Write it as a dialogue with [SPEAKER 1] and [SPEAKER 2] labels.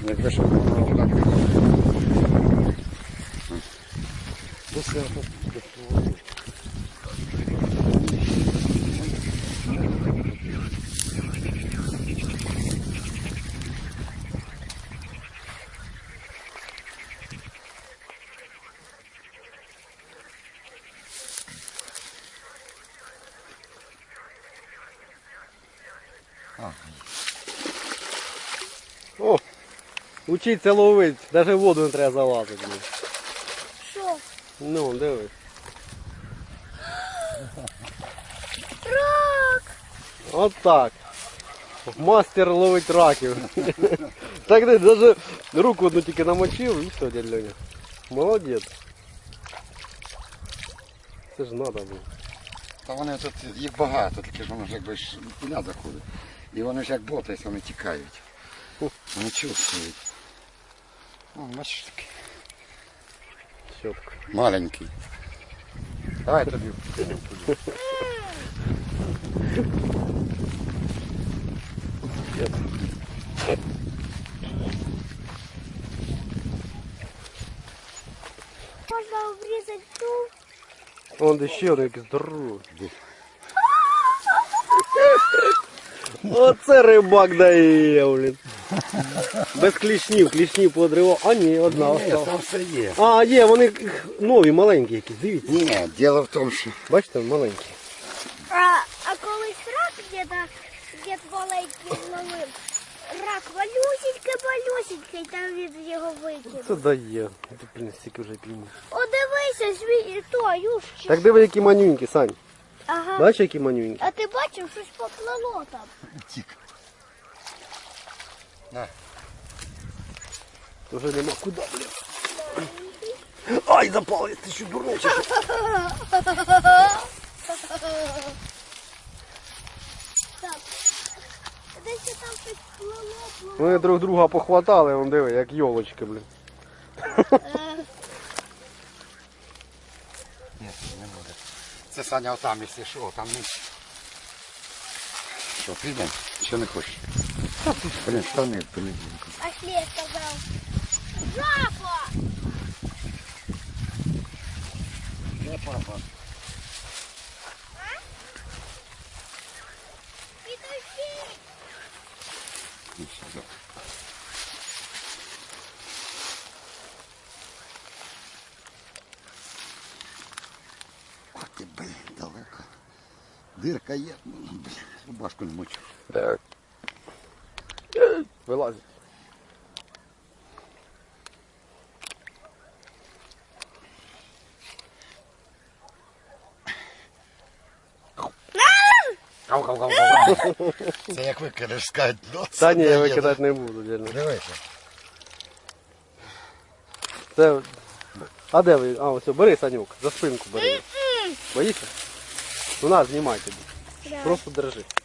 [SPEAKER 1] Як вийшов, воно туди не
[SPEAKER 2] О, учиться ловити, навіть в воду не треба залазити.
[SPEAKER 3] Що?
[SPEAKER 2] Ну, дивись.
[SPEAKER 3] Рак!
[SPEAKER 2] От так. Мастер ловить раків. Так ти навіть руку одну тільки намочив і все, дядь Льоня. Молодець. Це ж треба було.
[SPEAKER 1] Та вони тут, їх багато, тільки ж воно ж якби ж піля заходить. І вони ж як ботаються, вони тікають. Вони чувствують. О, бачиш такий.
[SPEAKER 2] Щотка.
[SPEAKER 1] Маленький. Давай тобі.
[SPEAKER 3] Можна обрізати ту.
[SPEAKER 2] Вон де ще один якийсь здоровий. Оце рибак дає, блін. Без клішнів, клішнів подривав. А ні, одна
[SPEAKER 1] Ні,
[SPEAKER 2] осталась.
[SPEAKER 1] там все є.
[SPEAKER 2] А, є, вони нові, маленькі якісь, дивіться.
[SPEAKER 1] Ні, діло в тому, що
[SPEAKER 2] Бачите, маленькі.
[SPEAKER 3] А колись рак дід маленький зловив. Рак малюсенький, там він його викинув.
[SPEAKER 2] Це дає. Ти, блін, стільки вже пійні.
[SPEAKER 3] О, дивися, то, юшчик.
[SPEAKER 2] Так диви, які манюнькі, Сань.
[SPEAKER 3] Ага.
[SPEAKER 2] Бачиш, які манюнькі?
[SPEAKER 3] А ти бачив, щось поплило там?
[SPEAKER 1] тік. На.
[SPEAKER 2] Вже нема куди, блін. Ай, запали, ти що дурний чи що?
[SPEAKER 3] Так. Десь там щось плило.
[SPEAKER 2] Вони друг друга похватали, вон диви, як йолочки, блін.
[SPEAKER 1] Ні, не буде. Це Саня отам, якщо що, там не... Що, підемо? Що не хочеш? Блін, штани, блін.
[SPEAKER 3] А шле сказав. Жаба!
[SPEAKER 1] Не, папа.
[SPEAKER 3] Підожди!
[SPEAKER 1] Ну, все, добре. Ох ти, блін, далеко. Дирка є, ну, блін, рубашку не мочу.
[SPEAKER 2] Так. Вилазить.
[SPEAKER 1] Кау-кау-кау-кау. Це як викидеш, скажуть, ну це
[SPEAKER 2] Та ні, я
[SPEAKER 1] дає.
[SPEAKER 2] викидати не буду, дядь.
[SPEAKER 1] Дивися.
[SPEAKER 2] Це... А де ви? А, ось, бери, Санюк, за спинку бери. Боїшся? Ну на, знімай тобі.
[SPEAKER 3] Да.
[SPEAKER 2] Просто держи.